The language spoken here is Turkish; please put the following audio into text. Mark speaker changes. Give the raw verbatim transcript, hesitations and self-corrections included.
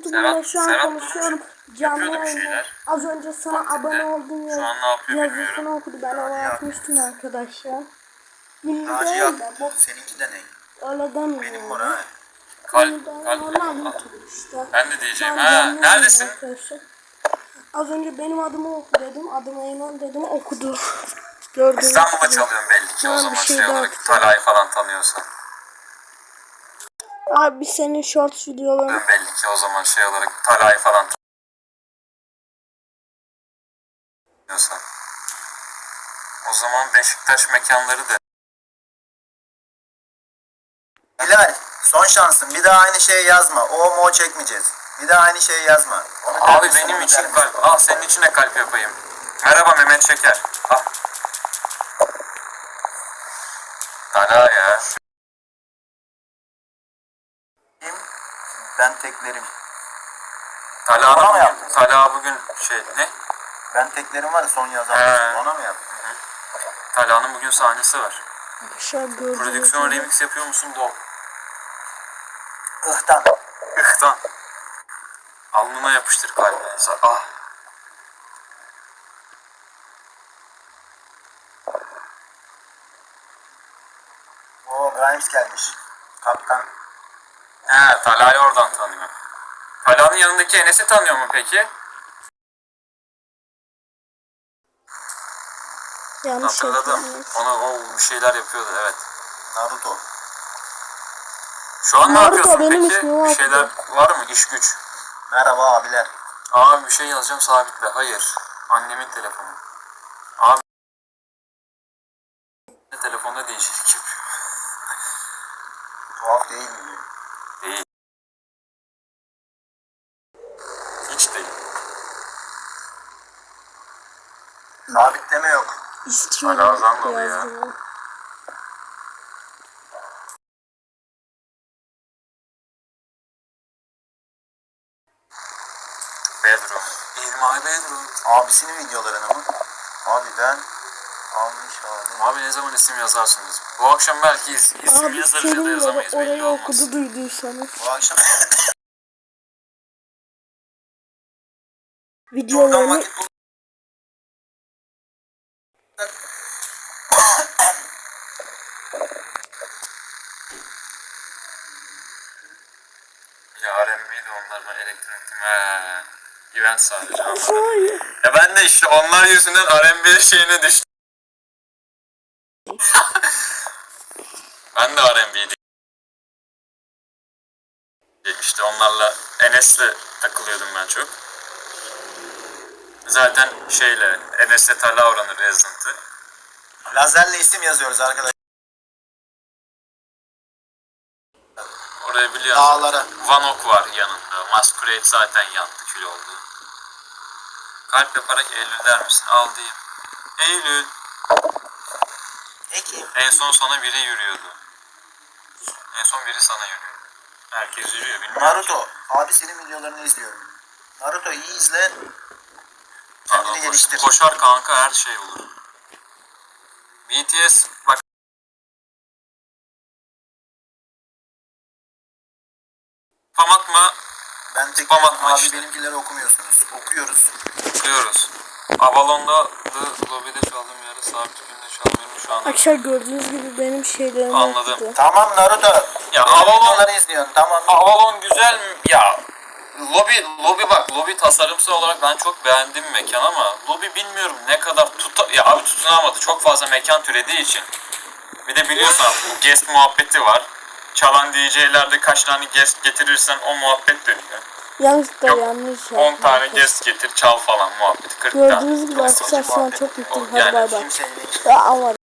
Speaker 1: YouTube'umda şu an
Speaker 2: Serhat
Speaker 1: konuşuyorum. Canlı
Speaker 2: yapıyordu bir
Speaker 1: yayında.
Speaker 2: şeyler.
Speaker 1: Az önce sana
Speaker 2: Vaktinde.
Speaker 1: abone oldum
Speaker 2: Şu
Speaker 1: ya.
Speaker 2: an ne yapıyor
Speaker 1: Yazısını
Speaker 2: bilmiyorum.
Speaker 1: okudu. Ben ona atmıştım arkadaşlar. Ünlü
Speaker 3: Naci
Speaker 1: değil
Speaker 3: yap.
Speaker 1: de bu
Speaker 3: Seninki de ne?
Speaker 1: öyle demiyor.
Speaker 3: Benim var ha.
Speaker 2: Kalp,
Speaker 1: Ünlü değil,
Speaker 2: kalp.
Speaker 1: normal
Speaker 2: Ah,
Speaker 1: YouTube işte.
Speaker 2: ben de diyeceğim.
Speaker 1: Ben
Speaker 2: Ha,
Speaker 1: canlı
Speaker 2: neredesin?
Speaker 1: yayında arkadaşlar. Az önce benim adımı oku dedim. Adım Eymen dedim. Okudu. Gördüğünüz
Speaker 2: İstanbul'da
Speaker 1: gibi.
Speaker 2: çalıyorum belli ki
Speaker 1: Ha,
Speaker 2: o
Speaker 1: bir
Speaker 2: zaman
Speaker 1: şey
Speaker 2: şey
Speaker 1: daha
Speaker 2: olarak
Speaker 1: atacağım.
Speaker 2: Talay falan tanıyorsan.
Speaker 1: Abi senin shorts videoların.
Speaker 2: Belli ki o zaman şey olarak Talay falan tanıyorsan. O zaman Beşiktaş mekanları da.
Speaker 3: Bilal, son şansın. Bir daha aynı şeyi yazma. O mo çekmeyeceğiz. Bir daha aynı şeyi yazma. Onu
Speaker 2: Abi
Speaker 3: dersin,
Speaker 2: benim
Speaker 3: onu
Speaker 2: için
Speaker 3: dersin.
Speaker 2: kalp. Al senin için de kalp yapayım. Merhaba Mehmet Şeker. Al. Tala ya.
Speaker 3: Kim? Ben teklerim.
Speaker 2: Tala
Speaker 3: Bana mı
Speaker 2: bugün,
Speaker 3: yaptın?
Speaker 2: Tala bugün şey ne?
Speaker 3: Ben teklerim var ya son yazan.
Speaker 2: He.
Speaker 3: Ona mı yaptın?
Speaker 2: Tala'nın bugün sahnesi var.
Speaker 1: Arkadaşlar gördüğünüz
Speaker 2: Prodüksiyon
Speaker 1: gibi.
Speaker 2: remix yapıyor musun? Bol.
Speaker 3: Ihtan.
Speaker 2: Ihtan. Alnına yapıştır kalbine. Ah.
Speaker 3: Oo, Grimes gelmiş. Kaptan.
Speaker 2: He, Tala'yı oradan tanıyor. Tala'nın yanındaki Enes'i tanıyor mu peki?
Speaker 1: Yanlış
Speaker 2: Hatırladım.
Speaker 1: yapıyorum.
Speaker 2: Ona o bir şeyler yapıyordu, evet.
Speaker 3: Naruto.
Speaker 2: Şu an ne
Speaker 1: Naruto
Speaker 2: yapıyorsun
Speaker 1: benim
Speaker 2: peki?
Speaker 1: ismim
Speaker 2: Bir
Speaker 1: Naruto.
Speaker 2: şeyler var mı? İş güç.
Speaker 3: Merhaba abiler.
Speaker 2: Abi bir şey yazacağım, sabitle. Hayır. Annemin telefonu. Abi telefonda değişiklik yapıyor.
Speaker 3: Tuhaf değil mi?
Speaker 2: Değil. Hiç değil.
Speaker 3: Sabitleme yok.
Speaker 1: İstiyorum.
Speaker 2: Hala Zandalı ya.
Speaker 1: yazdım.
Speaker 2: Bedroom. In my bedroom.
Speaker 3: Abisinin videolarını mı? Abi ben almış abi.
Speaker 2: Abi ne zaman isim yazarsınız? Bu akşam belki is isim
Speaker 1: Abi
Speaker 2: yazarız ya da
Speaker 1: Selim
Speaker 2: yazamayız,
Speaker 1: de
Speaker 2: belli
Speaker 1: orayı
Speaker 2: olmaz.
Speaker 1: okudu duyduysanız.
Speaker 3: Bu akşam buradan
Speaker 1: Videolarını
Speaker 3: vakit bul.
Speaker 2: Ya R and B'di onlar, ben elektronik değil. Heee. Event sadece.
Speaker 1: hayır.
Speaker 2: Ya ben de işte onlar yüzünden R and B şeyine düştüm. Ben de R and B'di. İşte onlarla Enes'le takılıyordum ben çok. Zaten şeyle Enes'le Tala oranı Resident'ı.
Speaker 3: Lazerle isim yazıyoruz arkadaşlar.
Speaker 2: Oraya biliyorsun.
Speaker 3: Dağlara.
Speaker 2: Vanok var yanında. Masquerade zaten yandı, kül oldu. Kalp yaparak Eylül der misin? Al diyeyim. Eylül.
Speaker 3: Ekim.
Speaker 2: En son sana biri yürüyordu. En son biri sana yürüyordu. Herkes yürüyor, bilmiyorum.
Speaker 3: Naruto. Abi senin videolarını izliyorum. Naruto iyi izle. Kendini
Speaker 2: Koş-
Speaker 3: geliştir.
Speaker 2: Koşar kanka, her şey olur. B T S bak. Spam atma,
Speaker 3: Ben tek
Speaker 2: Spam atma
Speaker 3: abi
Speaker 2: işte.
Speaker 3: benimkileri okumuyorsunuz. Okuyoruz.
Speaker 2: okuyoruz. Avalon'da The Lobby'de çaldığım yerde sabit günde çalmıyorum şu anda.
Speaker 1: Arkadaşlar gördüğünüz gibi benim şeylerimi
Speaker 2: Anladım.
Speaker 1: okudu.
Speaker 3: Tamam Naruto.
Speaker 2: Ya
Speaker 3: Benim
Speaker 2: Avalon,
Speaker 3: videoları izliyorsun tamam.
Speaker 2: Avalon güzel mi? Ya Lobby, Lobby bak, Lobby tasarımsal olarak ben çok beğendim mekan ama Lobby bilmiyorum ne kadar tuta... Ya abi tutunamadı, çok fazla mekan türediği için. Bir de biliyorsun bu guest muhabbeti var. Çalan D J'lerde kaç tane guest getirirsen o muhabbet dönüyor.
Speaker 1: Yanlışlıkla
Speaker 2: Yok,
Speaker 1: yanlış yaptım.
Speaker 2: on tane
Speaker 1: arkadaşlar.
Speaker 2: guest getir çal falan muhabbeti. kırk tane.
Speaker 1: Gördüğünüz gibi arkadaşlar şu an çok mutluyum. Hadi
Speaker 2: Yani
Speaker 1: bay bay.
Speaker 3: Kimseyle
Speaker 1: Ya ama